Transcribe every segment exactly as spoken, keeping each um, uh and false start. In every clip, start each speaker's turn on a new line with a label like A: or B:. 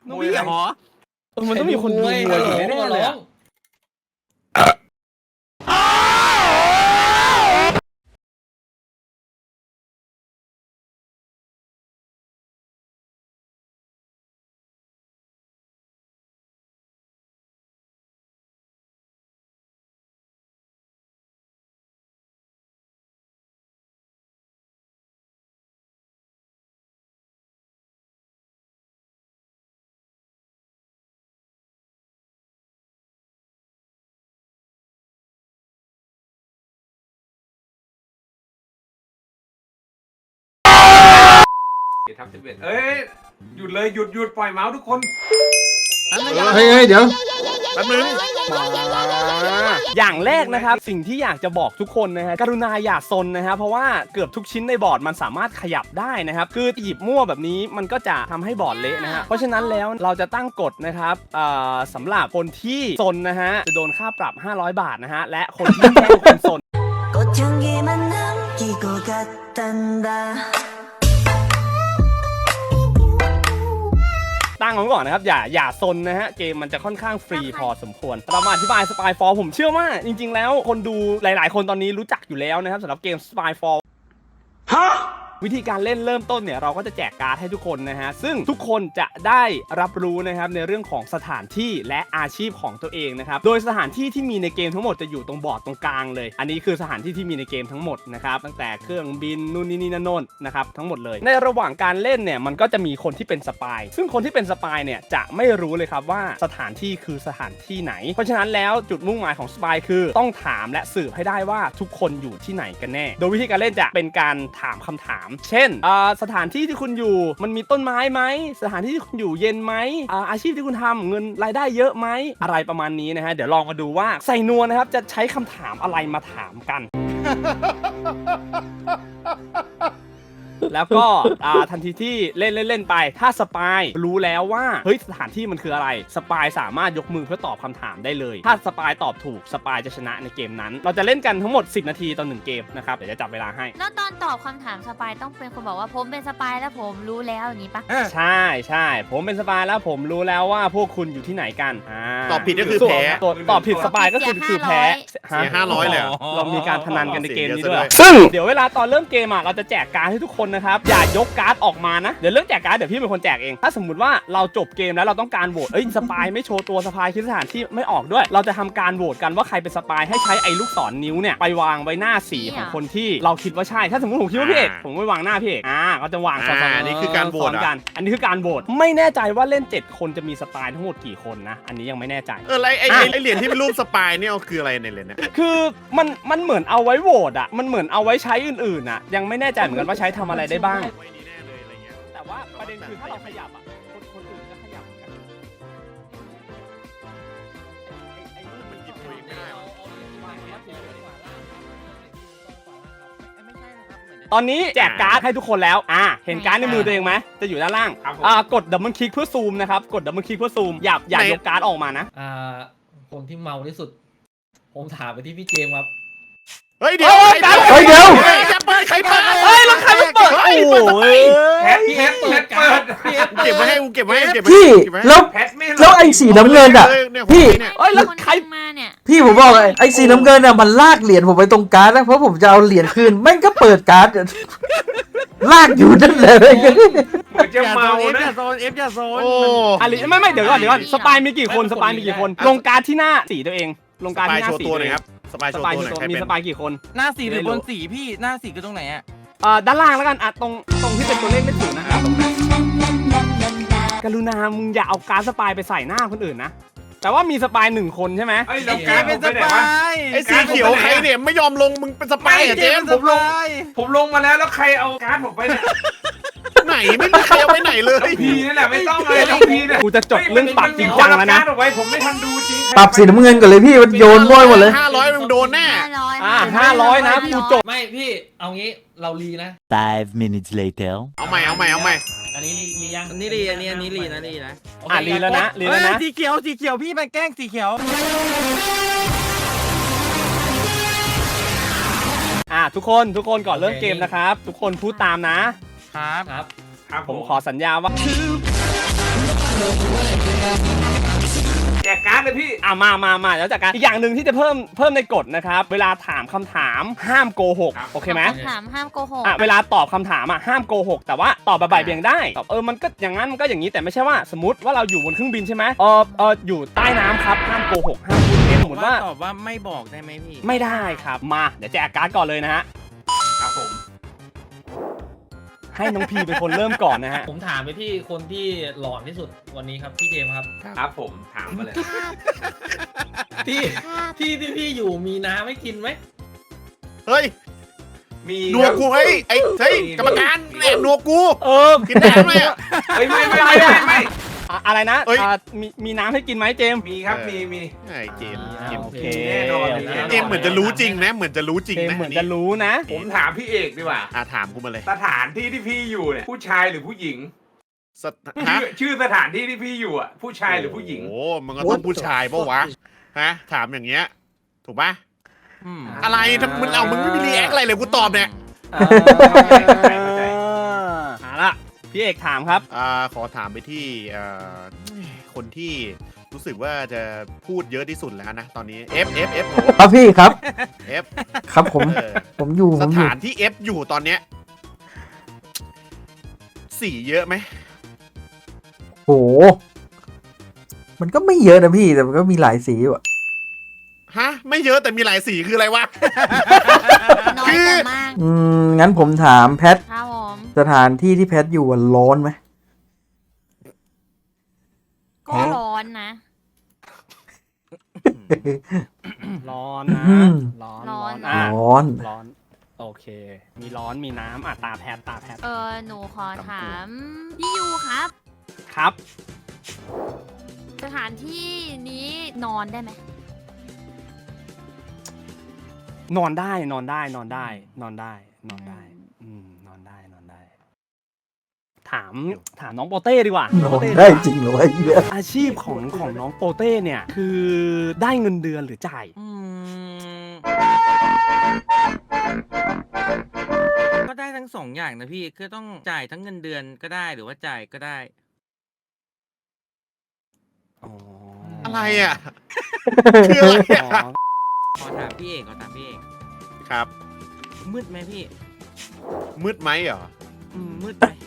A: น้องพี่เหรอมันต้องมีคนดูมวยแน่ๆเลย
B: ทับสิบเอ็ดเอ้ยหยุดเลยหยุดหยุดปล่อยเมาส์ทุกคน
C: เฮ้ยเดี๋ยวแป๊บนึง
A: อย่างแรกนะครับสิ่งที่อยากจะบอกทุกคนนะฮะกรุณาอย่าซนนะฮะเพราะว่าเกือบทุกชิ้นในบอร์ดมันสามารถขยับได้นะครับคือหยิบมั่วแบบนี้มันก็จะทำให้บอร์ดเละนะฮะเพราะฉะนั้นแล้วเราจะตั้งกฎนะครับสำหรับคนที่ซนนะฮะจะโดนค่าปรับห้าร้อยบาทนะฮะและคนที่แกล้งคนซนตั้งไว้ก่อนนะครับอย่าอย่าซนนะฮะเกมมันจะค่อนข้างฟรีพอสมควรเรามาอธิบาย Spyfall ผมเชื่อว่าจริงๆแล้วคนดูหลายๆคนตอนนี้รู้จักอยู่แล้วนะครับสำหรับเกม Spyfall ฮะวิธีการเล่นเริ่มต้นเนี่ยเราก็จะแจกการ์ดให้ทุกคนนะฮะซึ่งทุกคนจะได้รับรู้นะครับในเรื่องของสถานที่และอาชีพของตัวเองนะครับโดยสถานที่ที่มีในเกมทั้งหมดจะอยู่ตรงบอร์ดตรงกลางเลยอันนี้คือสถานที่ที่มีในเกมทั้งหมดนะครับตั้งแต่เครื่องบินนู่นนี่นี่นั่นโน่นนะครับทั้งหมดเลยในระหว่างการเล่นเนี่ยมันก็จะมีคนที่เป็นสปายซึ่งคนที่เป็นสปายเนี่ยจะไม่รู้เลยครับว่าสถานที่คือสถานที่ไหนเพราะฉะนั้นแล้วจุดมุ่งหมายของสปายคือต้องถามและสืบให้ได้ว่าทุกคนอยู่ที่ไหนกันแน่โดยวิธีการเล่นจะเป็นการถามคำถามเช่นสถานที่ที่คุณอยู่มันมีต้นไม้ไหมสถานที่ที่คุณอยู่เย็นไหม อา, อาชีพที่คุณทำเงินรายได้เยอะไหมอะไรประมาณนี้นะฮะเดี๋ยวลองมาดูว่าใส่นัวนะครับจะใช้คำถามอะไรมาถามกัน แล้วก็ทันทีที่เล่นเล่นไปถ้าสปายรู้แล้วว่าเฮ้ยสถานที่มันคืออะไรสปายสามารถยกมือเพื่อตอบคำถามได้เลยถ้าสปายตอบถูกสปายจะชนะในเกมนั้นเราจะเล่นกันทั้งหมดสิบนาทีต่อหนึ่งเกมนะครับเดี๋ยวจะจับเวลาให้
D: แล้วตอนตอบคำถามสปายต้องเป็นคนบอกว่าผมเป็นสปายแล้วผมรู้แล้วอย่างนี้ปะ
A: ใช่ใช่ผมเป็นสปายแล้วผมรู้แล้วว่าพวกคุณอยู่ที่ไหนกัน
C: ตอบผิดก็คือแพ้
A: ตอบผิดสปายก็คือคือแพ้
C: เสียห้าร้อยเลย
A: เรามีการพนันกันในเกมนี้ด้วยซึ่งเดี๋ยวเวลาตอนเริ่มเกมอ่ะเราจะแจกการ์ดให้ทุกคนนะครับอย่ายกการ์ดออกมานะเดี๋ยวเรื่องแจกการ์ดเดี๋ยวพี่เป็นคนแจกเองถ้าสมมุติว่าเราจบเกมแล้วเราต้องการโหวตเอ้ยสปายไม่โชว์ตัวสปายคิดสถานที่ไม่ออกด้วยเราจะทำการโหวตกันว่าใครเป็นสปายให้ใช้ไอ้ลูกศรนิ้วเนี่ยไปวางไว้หน้าสีของคนที่เราคิดว่าใช่ถ้าสมมติผมคิดว่าพี่เอกผมไม่วางหน้าพี่เอกอ่าก็จะวางซ้อนๆ
C: อันนี้คือการโหวต
A: กันอันนี้คือการโหวตไม่แน่ใจว่าเล่นเจ็ดคนจะมีสปายทั้งหมดกี่คนนะอันนี้ยังไม่แน่ใจ
C: เออไอ้ไอ้เหรียญที่เป็นรูปสปายเนี่ยคืออะไรในเหรียญเนี่ย
A: คือมันมันเหมือนเอาไว้โหวตอ่ะมันเหมือนเอาไว้ใช้อื่นๆอ่ะยังไม่แน่ใจเหมือนกันว่าใช้ทำอะไรได้บ้างแต่ว่าประเด็นคือถ้าเราขยับอ่ะคนคนอื่นจะขยับกันไอ้รูปมันหยิบตัวเองไม่ได้ตอนนี้แจกการ์ดให้ทุกคนแล้วอ่าเห็นการ์ดในมือตัวเองไหมจะอยู่ด้านล่างอ่ากดดับเบิลคลิกเพื่อซูมนะครับกดดับเบิลคลิกเพื่อซูมอย่าอย่ายกการ์ดออกมานะ
E: อ่าคนที่เมาที่สุดผมถามไปที่พี่เจมส์ครับ
C: เฮ้ยเดี๋ยว
A: เฮ้ยเดี๋ยว
C: จะเปิดใครเปิด
A: เฮ้ยแล้วใครมาเปิดโอ้ย
B: แพทแพทเปิดเปิด
C: เก็บไว้ให้กูเก็บไว้ให้เก็บไว้
F: พี่แล้วแล้วไอ้สีน้ำเงินอ่ะพี่
D: เอ้ยแล้วใครมาเนี่ย
F: พี่ผมบอกเลยไอ้สีน้ำเงินอ่ะมันลากเหรียญผมไปตรงการ์ดนะเพราะผมจะเอาเหรียญคืนแม่งก็เปิดการ์ดลากอยู่นั่นเลย
B: มันจะเมานะ
C: โซนเอฟจะโซน
A: โอ้อะไรไม่ไม่เดี๋ยวก่อนเดี๋ยวก่อนสปายมีกี่คนสปายมีกี่คนลงการ์ดที่หน้าสีตัวเองลงการ์ดที่หน้าสีตัวเองครับ
C: สปายโชว์ตัวหน่อย
A: มีสปายกี่คน
G: หน้าสีหรือบนสีพี่หน้าสีคือตรงไหนอ่ะ
A: อ่าด้านล่างแล้วกันอ่ะตรงตรงที่เป็นตัวเลขไม่ถูกนะกรุณามึงอย่าเอาการ์ดสปายไปใส่หน้าคนอื่นนะแต่ว่ามีสปายหนึ่งคนใช่ไหม
B: ไอ้เราการ์ดเป็นสปาย
C: ไอ้สีเขียวใครเนี่ยไม่ยอมลงมึงเป็นสปายอ่ะเจม
B: ผมลงผมลงมาแล้วแล้วใครเอาการ์ดผมไปเนี่ย
C: ไหนไม่มีใครเอาไปไหนเลย
B: พีนี่แหละไม่ต้องเลยต้องพีเนี่ย
A: กูจะจบเรื่องปรับจริงจังแล้วนะ
B: ผมไม่ทันดูจริง
F: ปรับสีน้ำเงินก่อนเลยพี่มันโยนบ้อยหมดเลย
C: ห้าร้อยมึงโดนแน่
A: อ่าห้าร้อยนะกูจบ
E: ไม่พี่เอางี้เรารีนะ
H: five minutes later
C: เอาใหม่เอาใหม่เอาใหม่
E: อันนี้รียัง
G: อันนี้รีอันนี้อันนี้รีนะรีนะ
A: อ่ารีแล้วนะรีแล้วนะ
G: สีเขียวสีเขียวพี่มันแกล้งสีเขียว
A: อ่าทุกคนทุกคนก่อนเริ่มเกมนะครับทุกคนพูดตามนะครับ
E: ครับ
A: ผมขอสัญญาว่า
B: แจกการ์ดเลยพี่
A: อ่ะมามามาแล้วจากการอีกอย่างหนึ่งที่จะเพิ่มเพิ่มในกฎนะครับ เวลาถามคำถามห้ามโกหก โอเคไหม
D: คำถามห้ามโกหก
A: อ่ะเวลาตอบคำถามอ่ะห้ามโกหก แต่ว่าตอบแบบบ่ายเบี่ยงได้ตอบเออมันก็อย่างนั้นมันก็อย่างนี้แต่ไม่ใช่ว่าสมมติว่าเราอยู่บนเครื่องบินใช่ไหมเออเอออยู่ใต้น้ำครับห้ามโกหกห้ามพูดเท็จสมมติว่า
G: ตอบว่าไม่บอกได้ไหมพี่
A: ไม่ได้ครับมาเดี๋ยวแจกการ์ดก่อนเลยนะฮะ
B: ครับผม
A: ให้น้องพีเป็นคนเริ่มก่อนนะฮะ
E: ผมถามไปที่คนที่หลอนที่สุดวันนี้ครับพี่เจมส์ครับ
B: ครับผมถามมาเลย
E: ที่ที่ที่พี่อยู่มีน้ำให้กินไหม
C: เฮ้ย
B: มี
C: นัวกูเฮ้ยไอ้เฮ้ยกรรมการแอบนัวกู
A: เออ
C: กินแดงเลยอ่ะ
B: เฮ้ยไม่ไม่ไม่ไม่ไม่
A: อ่ะอะไรนะ
C: เอ้ย
A: อ่ะมีมีน้ำให้กินไหมเจมส์
B: มีครับ
C: เออ
B: มีมี
C: ไอ้เจมส์
E: อ่า
C: เจมส์
E: โอเค
B: แน่นอนแน่นอน
C: เจมส์เหมือนจะรู้จริงนะเหมือนจะรู้จริง
A: เจม
C: นะ
A: ส์เหมือนจะรู้นะ
B: ผมถามพี่เอกดีกว่า
C: อ่ะถามกูมาเลย
B: สถานที่ที่พี่อยู่เนี่ยผู้ชายหรือผู้หญิง
C: สถฮะ
B: ชื่อชื่อสถานที่ที่พี่อยู่อ่ะผู้ชายหรือผู้หญิง
C: โอ้มันก็ต้องผู้ชายปะวะฮะถามอย่างเงี้ยถูกปะ
G: อืม
C: อะไรทำมึงเอามึงไม่มีรีแอคอะไรเลยกูตอบเนี่ย
A: เออเอาละพี่เอกถามครับ
C: อ่าขอถามไปที่เอ่อคนที่รู้สึกว่าจะพูดเยอะที่สุดแล้วนะตอนนี้ F F F โอ้
F: ครับพี่ครับ
C: F
F: ครับผม
C: เออ
F: ผมอยู่ผ
C: ส
F: มอยู่
C: ถานที่ F อยู่ตอนเนี้ยสีเยอะไหม
F: โห มันก็ไม่เยอะนะพี่แต่มันก็มีหลายสีอยู่อะ
C: ฮะไม่เยอะแต่มีหลายสีคืออะไรวะ
D: น้อยแต่มาก
F: อืมงั้นผมถามแพท
D: ครับผม
F: สถานที่ที่แพทอยู่อะร้อนไหม
D: ก็ร้อนนะ
A: ร้อนนะ
F: อืม
A: ร้อน
D: ร้อน
A: อ่ะ
F: ร้อน
A: ร้อน โอเค มีร้อนมีน้ำอ่ะตาแพทตาแพท
D: เออหนูขอถามพี่ยูครับ
A: ครับ
D: สถานที่นี้นอนได้ไหม
A: นอนได้นอนได้นอนได้ นอนได้นอนได้ อืมนอนได้นอนได้ ถามถามน้องโปเต้ดีกว่า
F: ร้
A: โป
F: อน
A: เต้
F: ได้จริงเหรอวะไอ้เหี้ย
A: อาชีพของของน้องโปเต้เนี่ย คือได้เงินเดือนหรือจ่าย
G: อืมก็ได้ทั้งสองอย่างนะพี่คือต้องจ่ายทั้งเงินเดือนก็ได้หรือว่าจ่ายก็ได้
A: อ๋อ
C: อะไรอ่ะ คืออะไร
A: อ๋
C: อ่ะ
A: อ
G: ขอถามพี่เอกขอถามพี่เอก
C: ครับ
G: มืดไหมพี่
C: มืดไหมเหรอ
G: อืมมืดไหม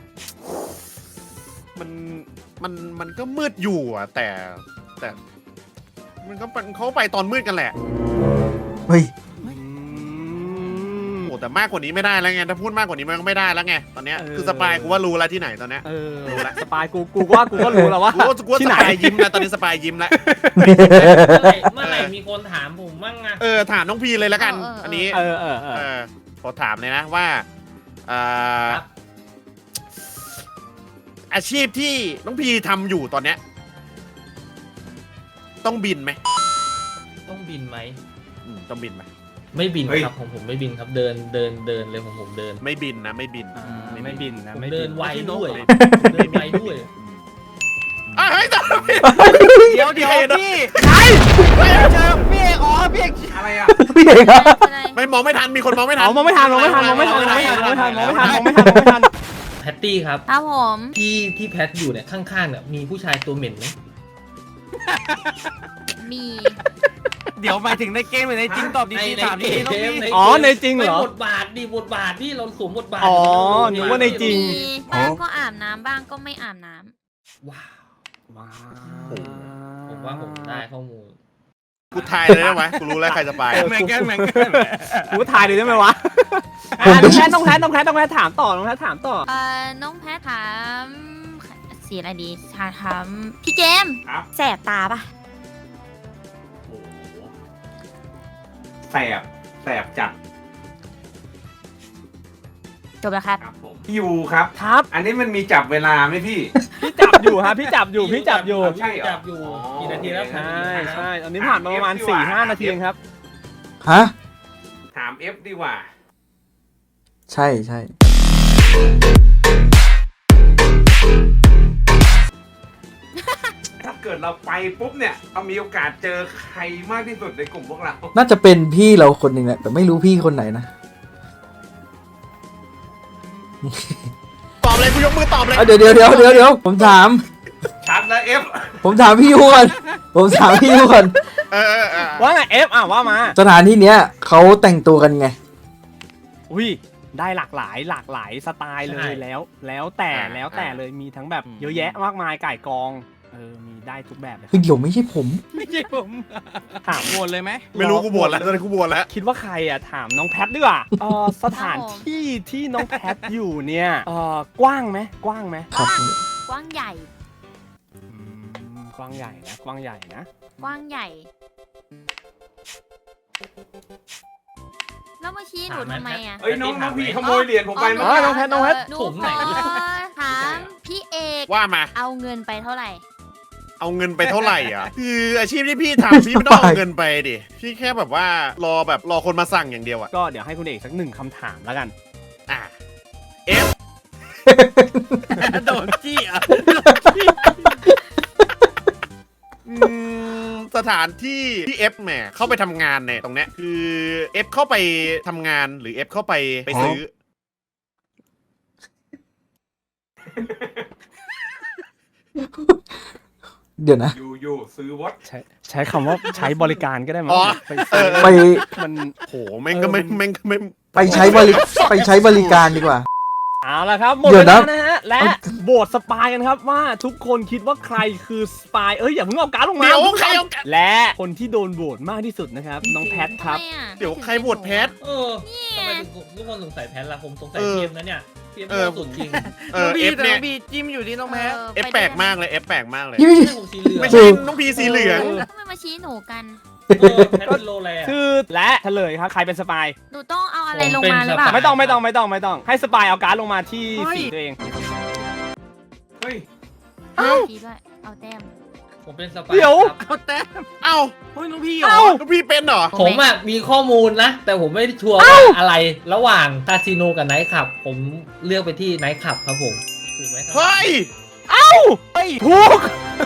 C: มันมันมันก็มืดอยู่อ่ะ แต่แต่ มันก็เป็นเขาไปตอนมืดกันแหละ
F: เฮ้ย
A: อืม
C: โอ้แต่มากกว่านี้ไม่ได้แล้วไงถ้าพูดมากกว่านี้มันก็ไม่ได้แล้วไงตอนเนี้ย
A: เออ
C: คือสปายกูว่ารู้แล้วที่ไหนตอนเนี้ย
A: เออสปายกูกูว่ากูก็รู้แล้วว่า
C: กูว่ากูว่า
A: ที่
C: ส
A: ไหน
C: ปายยิ้มแล้วตอนนี้สปายยิ้มแล้ว
E: เมื่อไหร่เมื่อไหร่มีคนถามผมมั่งอะ
C: เออถามน้องพีเลยแล้วกัน อันนี้
A: เออเออเอ
C: เอ
A: อ
C: อขอถามเลยนะว่าเอ่อ
E: ครับ
C: อาชีพที่น้องพีทำอยู่ตอนเนี้ยต้องบินไหม
E: ต้องบินไหม
C: อืมต้องบินไหม
E: ไม่บิน
B: เฮ้ย
E: ครับผมผมไม่บินครับเดินเดินเดินเลยผมผมเดิน
C: ไม่บินนะไม่บิน
A: อ่าไม่บินนะ
E: ผม
A: ไม่
E: เดิ
A: บิ
E: น
A: น
E: ไวด้วย
C: ไม่
E: เดินไวด้วย
C: อ่ะเฮ้ยต่อ
G: เดี๋ยวเดี๋ยวพี่
C: ใคร
G: ไม่เจอพี่เอกอ๋อพี่เอก
B: อะไรอ่ะ
F: พี่เอกครับ
D: อะไร
C: ไม่มองไม่ทันมีคนมองไม่ทั
A: เอา
C: น
A: มองไม่ทันมองไม่ทันมองไม่ทันมองไม่ทันมองไม่ทันมองไม่ทันมองไม่ทันมองไม่ทัน
E: แพตตี้ครับ
D: ครับผม
E: ที่ที่แพทอยู่เนี่ยข้างๆเนี่ยมีผู้ชายตัวเหม็นไหม
D: มี
G: เดี๋ยวหมายถึงในเกมหรือในจริงตอบดีๆถามดีๆต้องมี
A: อ๋อในจริงเหรอ
E: ไม่บทบาทดิบทบาทที่เราสวมบทบาท
A: อ๋อนึกว่าในจริง
D: มีบ้างก็อาบน้ำบ้างก็ไม่อาบน้ำ
E: ว้าว
A: ว้า
E: ผมว่าผมได้ข้อมูล
C: กูทายเลยได้ไหมกูรู้แล้วใครจะไป
G: เหมือนกันเหมือนกัน
A: กูถ่ายเลยได้ไหมวะอ่ะน้องแพทน้องแพทน้องแพทน้องแพทถามต่อน้องแพทถามต่อ
D: เอ่อน้องแพทถามสีอะไรดีถามถามพี่เจมส์
B: ครับ
D: แสบตาปะ
B: โอ้โหแสบแสบจัด
D: จบแล้วครับ
B: ครับผมพี่ยูครับ
A: ครับ
B: อันนี้มันมีจับเวลาไหมพี่
A: พี่จับอยู่ฮะพี่จับอยู่พี่จับอยู่
B: ใช่เหรอ
E: จับอยู่กี่นาทีแล้ว
A: ใช่ใช่ตอนนี้ผ่านมาประมาณสี่ห้านาทีเองครับ
F: ฮะ
B: ถาม F ดีกว่า
F: ใช่ใช่
B: ถ้าเกิดเราไปปุ๊บเนี่ยเรามีโอกาสเจอใครมากที่สุดในกลุ่มพวกเรา
F: น่าจะเป็นพี่เราคนหนึ่งแหละแต่ไม่รู้พี่คนไหนนะ
C: ตอบเลยกูยกมือตอบเลย
F: อ่ะเดี๋ยวเดี๋ยวเดี๋ยวเดี๋ยวเดี๋ยวผมถาม
B: ชัดแล้วเอฟ
F: ผมถามพี่ยูก่อนผมถามพี่ยูก่อน
C: เออเออเออ
A: ว่าไงเอฟอ่ะว่ามา
F: สถานที่เนี้ยเขาแต่งตัวกันไง
A: อุ้ยได้หลากหลายหลากหลายสไตล์เลย
E: ใช่
A: แล้ว แล้วแต่แล้วแต่เลยมีทั้งแบบเยอะแยะมากมายไก่กองเออมีได้ทุกแบบเลย
F: คือเดี๋ยวไม่ใช่ผม
G: ไม่ใช่ผม
A: ถาม
G: โหวตเลยไหม
C: ไม่รู้กูบวชแล้วตอนนี้กูบวชแล้ว
A: คิดว่าใครอ่ะถามน้องแพทดีกว่าเออสถานที่ที่น้องแพทอยู่เนี่ยเออกว้างไหมกว้างไหม
F: ครับ
D: กว้างใหญ่
A: อืมกว้างใหญ่นะกว้างใหญ่นะ
D: กว้างใหญ่ แล้วมาชี้หนูทำไมอ่ะ
B: เอ้ยน้องน้องพี่ขโมยเหรียญผมไป
A: เอ
B: เมื่อ
A: อ
B: กี้
A: น้องแพทน้องแพท
D: หนู
E: ผมไหน
D: ขอถามพี่เอก
C: ว่ามา
D: เอาเงินไปเท่าไหร่
C: เอาเงินไปเท่าไหร่อ่ะ คืออาชีพที่พี่ทำพี่ไม่ต้องเอาเงินไปดิพี่แค่แบบว่ารอแบบรอคนมาสั่งอย่างเดียวอ่ะ
A: ก็เดี๋ยวให้คุณเอกสักหนึ่งคำถามแล้วกัน
C: อ่ะเอฟ
G: โดนจี้อ่ะ
C: อืมสถานที่ที่เอฟแหมเข้าไปทำงานเนี่ยตรงเนี้ยคือเอฟเข้าไปทำงานหรือเอฟเข้าไปไปซื้อ
F: เดี๋ยวนะ
B: อยู่อยู่ซื้อวอต
A: ใช้ใช้คำว่าใช้บริการก็ได้มั้
C: อ๋
A: ง
C: อ
A: ไป
C: เออ
F: ไป
A: มัน
C: โหแม่งก็ไม่
A: เออมัน
C: แม่งก็ไม่
F: ไปใช้บริไปใช้บริการดีกว่า
A: เอาละครับหมด
F: เดี๋
A: เว
F: ยวนะ
A: ลานะฮะและโบทสปายกันครับว่าทุกคนคิดว่าใครคือสปายเอ้ยอย่าเพิ่งเอาการ์ดลงมา
C: เดี๋ยว
A: ทุกน
C: ใครเอาการ์ด
A: และคนที่โดนโบทมากที่สุดนะครับน้องแพทครับ
D: ทำไมอ่ะ
C: เดี๋ยวใครบวชแพท
E: เออทำไมทุกคนสงสัยแพทล่ะผมสงสัย
C: เออ
E: เกมนะเนี่ยเกม
C: เออ
E: สุดจริง
C: เอ
G: น้อ
C: อง
G: พี
C: เอฟ
G: แต่
C: เนี่
G: น้
C: ย
G: องพีจิ้มอยู่ที่น้องแพท
C: เอฟแปลกมากเลยเอฟแปลกมากเลย
F: พี่ไม่
E: ไม่
F: ใช่
E: ใช่ผมสีเหลือง
C: ไม่ใช่น้องพีสีเหลือง
D: ทำไมมาชี้หนูกัน
E: เออแพทเป็นโลแล
A: คือและเฉลยครับใครเป็นสปาย
D: หนูต้องเอาอะไร
E: ผม
D: ลง
E: เป็น
D: มาหรือเปล่า
E: สปาย
A: ไม่ต้องไม่ต้องไม่ต้องไม่ต้องให้สปายเอาการ์ดลงมาที่
G: เฮ้ย
A: สีตัวเอง
B: เฮ้ย
D: เอาชี้ด้วย เอาแต้ม
E: ผมเป็นสปาย
A: เดี๋ยว
E: ครับ
G: เอาแต้ม
C: เอ้า
G: เฮ้ยน้องพี่เหร
A: เอ้า
G: อ
C: น้องพีเป็นเหรอ
E: ผมอ่ะมีข้อมูลนะ แต่ผมไม่ได้ชัวร์ว่าอะไร ระหว่างคาสิโนกับไนท์คลับ ผมเลือกไปที่ไนท์คลับครับผมถูกไหมครับ
C: เฮ้ย
A: เอ้าเฮ้ยถูก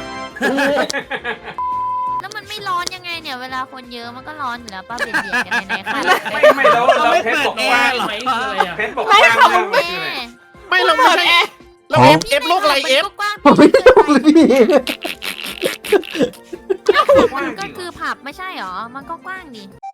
D: แล้วมันไม่ร้อนยังไงเนี่ย เวลาคนเยอะมันก็ร้อนอยู่แล้วป้าเบียดเบียดกันในๆค่ะ
B: ไม่ไม่แล้วเราเพชรบอก
E: แอ
B: ว่า
E: ร์ไหมคืออะไรอ่ะ
B: เพชรบอกว่าเรื่องมันคืออะไร
C: ไม่เราไม่ใช่เราเอฟเอฟโลกอะไรเอฟ
D: มันก็กว้าง
F: ผมไม่รู้เลยพี่
D: มันก็คือผับไม่ใช่หรอ มันก็กว้างดิ